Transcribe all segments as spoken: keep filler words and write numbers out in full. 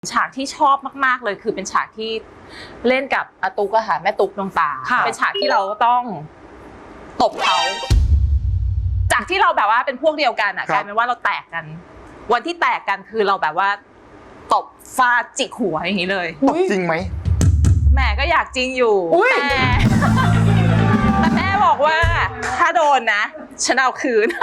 ฉากที่ชอบมากๆเลยคือเป็นฉากที่เล่นกับอาตุ๊กอะค่ะแม่ตุ๊กดวงตาเป็นฉากที่เราต้องตบเขาจากที่เราแบบว่าเป็นพวกเดียวกันอะกลายเป็นว่าเราแตกกันวันที่แตกกันคือเราแบบว่าตบฟาดจิกหัวอย่างนี้เลยตบจริงไหมแม่ก็อยากจริงอยู่แต่แต่แม่บอกว่าถ้าโดนนะฉันเอาคืน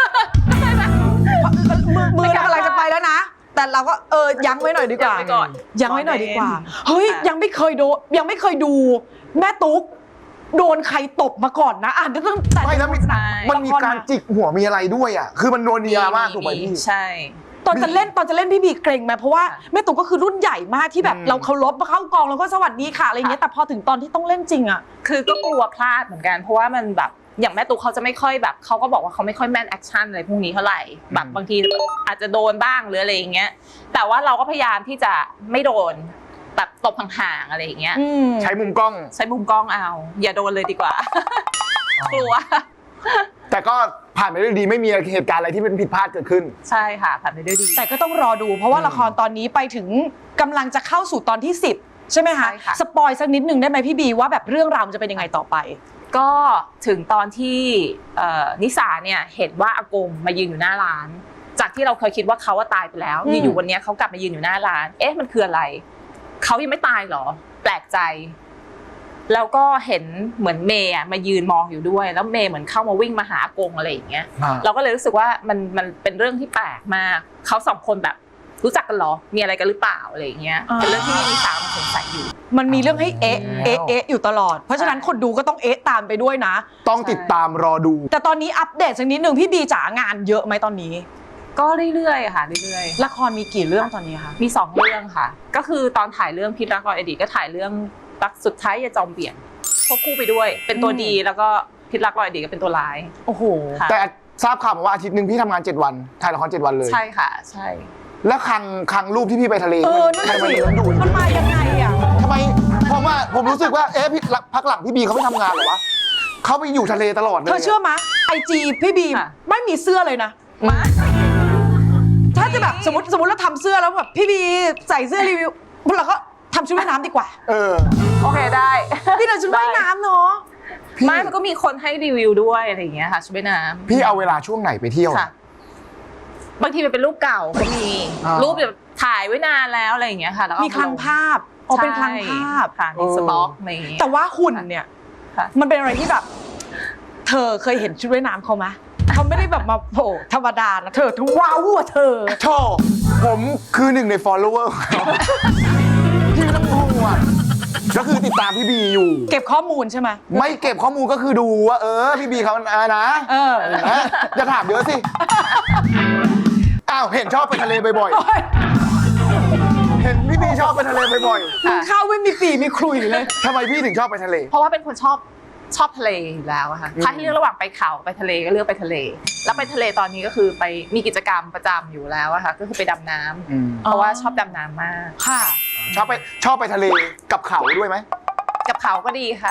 มือมือกำลังจะไปแล้วนะแต่เราก็เออยั้งไว้หน่อยดีกว่ายั้งไว้หน่อยดีกว่าเฮ้ยยังไม่เคยโดนยังไม่เคยดูแม่ตุ๊กโดนใครตบมาก่อนนะอ่านตั้งแต่ไม่แล้วมันมีการจิกหัวมีอะไรด้วยอ่ะคือมันโดนเนียมากถูกไหมพี่ใช่ตอนจะเล่นตอนจะเล่นพี่บีเกรงไหมเพราะว่าแม่ตุ๊กก็คือรุ่นใหญ่มากที่แบบเราเคารพมาเข้ากองแล้วก็สวัสดีค่ะอะไรเงี้ยแต่พอถึงตอนที่ต้องเล่นจริงอ่ะคือก็กลัวพลาดเหมือนกันเพราะว่ามันแบบอย่างแม่ตุ๊กเขาจะไม่ค่อยแบบเขาก็บอกว่าเขาไม่ค่อยแม่นแอคชั่นอะไรพวกนี้เท่าไหร่แบบบางทีอาจจะโดนบ้างหรืออะไรอย่างเงี้ยแต่ว่าเราก็พยายามที่จะไม่โดนแบบตบห่างๆอะไรอย่างเงี้ยใช้มุมกล้องใช้มุมกล้องเอาอย่าโดนเลยดีกว่ากลัวแต่ก็ผ่านไปด้วยดีไม่มีเหตุการณ์อะไรที่เป็นผิดพลาดเกิดขึ้นใช่ค่ะผ่านไปด้วยดีแต่ก็ต้องรอดูเพราะว่าละครตอนนี้ไปถึงกำลังจะเข้าสู่ตอนที่สิบใช่ไหมคะสปอยสักนิดนึงได้ไหมพี่บีว่าแบบเรื่องราวมันจะเป็นยังไงต่อไปก็ถึงตอนที่นิสาเนี่ยเห็นว่าอากงมายืนอยู่หน้าร้านจากที่เราเคยคิดว่าเขาว่าตายไปแล้วอยู่วันนี้เขากลับมายืนอยู่หน้าร้านเอ๊ะมันคืออะไรเขายังไม่ตายหรอแปลกใจแล้วก็เห็นเหมือนเมย์มายืนมองอยู่ด้วยแล้วเมย์เหมือนเข้ามาวิ่งมาหาอากงอะไรอย่างเงี้ยเราก็เลยรู้สึกว่ามันมันเป็นเรื่องที่แปลกมากเขาสองคนแบบรู้จักกันหรอมีอะไรกันหรือเปล่าอะไรอย่างเงี้ยเป็นเรื่องที่นิสามันสงสัยอยู่มันมีเรื่องให้เอ๊ะเอ๊ะเอ๊ะอยู่ตลอดเพราะฉะนั้นคนดูก็ต้องเอ๊ะตามไปด้วยนะต้องติดตามรอดูแต่ตอนนี้อัปเดตสักนิดนึงพี่บีจ๋างานเยอะไหมตอนนี้ก็เรื่อยๆค่ะเรื่อยๆละครมีกี่เรื่องตอนนี้คะมีสองเรื่องค่ะก็คือตอนถ่ายเรื่องพิษรักรอยอดีตก็ถ่ายเรื่องรักสุดท้ายอย่าจอมเบี่ยงควบคู่ไปด้วยเป็นตัวดีแล้วก็พิษรักรอยอดีตก็เป็นตัวร้ายโอ้โหแต่ทราบข่าวมาว่าอาทิตย์หนึ่งพี่ทำงานเจ็ดวันถ่ายละครเจ็ดวันเลยใช่ค่ะใช่แล้วครั้งครั้งรูปที่พี่ไปทะเลเออนั่นสิมันมายังไงอ่ะทำไมผมว่าผมรู้สึกว่าเอ๊ะพักหลังพี่บีเขาไม่ทำงานหรอวะเขาไปอยู่ทะเลตลอดเลยเธอเชื่อไหมไอจีพี่บีไม่มีเสื้อเลยนะมาถ้าจะแบบสมมติสมมติเราทำเสื้อแล้วแบบพี่บีใส่เสื้อรีวิวเราก็ทำชุดว่ายน้ำดีกว่าเออโอเคได้พี่เราชุดว่ายน้ำเนาะไม่มันก็มีคนให้รีวิวด้วยอะไรอย่างเงี้ยค่ะชุดว่ายน้ำพี่เอาเวลาช่วงไหนไปเที่ยวบางทีมันเป็นรูปเก่าก็มีรูปแบบถ่ายไว้นานแล้วอะไรอย่างเงี้ยค่ะแล้วมีคลังภาพอ๋อเป็นคลังภาพค่ะมีสต็อกอะไรอย่างเงี้ยแต่ว่าหุ่นเนี่ยมันเป็นอะไรที่แบบเธอเคยเห็นชุดว่ายน้ำเขาไหมเขาไม่ได้แบบมาโผล่ธรรมดานะเธอทุกว้าวว่ะเธอโธ่ผมคือหนึ่งใน follower พี่ไม่ต้องห่วงก็คือติดตามพี่บีอยู่เก็บข้อมูลใช่ไหมไม่เก็บข้อมูลก็คือดูว่าเออพี่บีเขาอ่ะนะเออจะถามเยอะสิอ้าวเห็นชอบไปทะเลบ่อยๆเห็นพี่บีชอบไปทะเลบ่อยๆข้าวไม่มีปีมีคลุยเลยทำไมพี่ถึงชอบไปทะเลเพราะว่าเป็นคนชอบชอบทะเลอยู่แล้วอะค่ะถ้าให้เลือกระหว่างไปเขาไปทะเลก็เลือกไปทะเลแล้วไปทะเลตอนนี้ก็คือไปมีกิจกรรมประจำอยู่แล้วอะค่ะก็คือไปดำน้ำเพราะว่าชอบดำน้ำมากค่ะชอบไปชอบไปทะเลกับเขาด้วยไหมกับเขาก็ดีค่ะ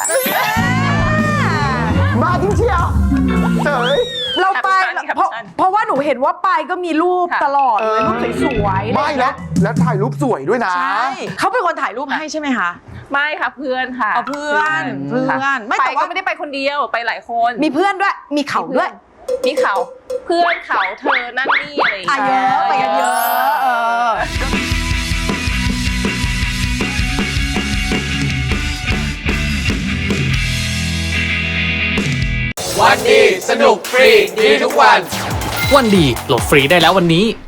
มาจริงเชียวเฉยเราไปเพราะเพราะว่าหนูเห็นว่าไปก็มีรูปตลอดเลยรูปสวยๆไม่แล้วแล้วถ่ายรูปสวยด้วยนะใช่เขาเป็นคนถ่ายรูปให้ใช่ไหมคะไม่ค่ะเพื่อนค่ะเพื่อนเพื่อนไม่แต่ว่าไม่ได้ไปคนเดียวไปหลายคนมีเพื่อนด้วยมีเขาด้วยมีเขาเพื่อนเขาเธอนั่นนี่อะไรอย่างเงี้ยไปกันเยอะวันดีสนุกฟรีดีทุกวันวันดีโหลดฟรีได้แล้ววันนี้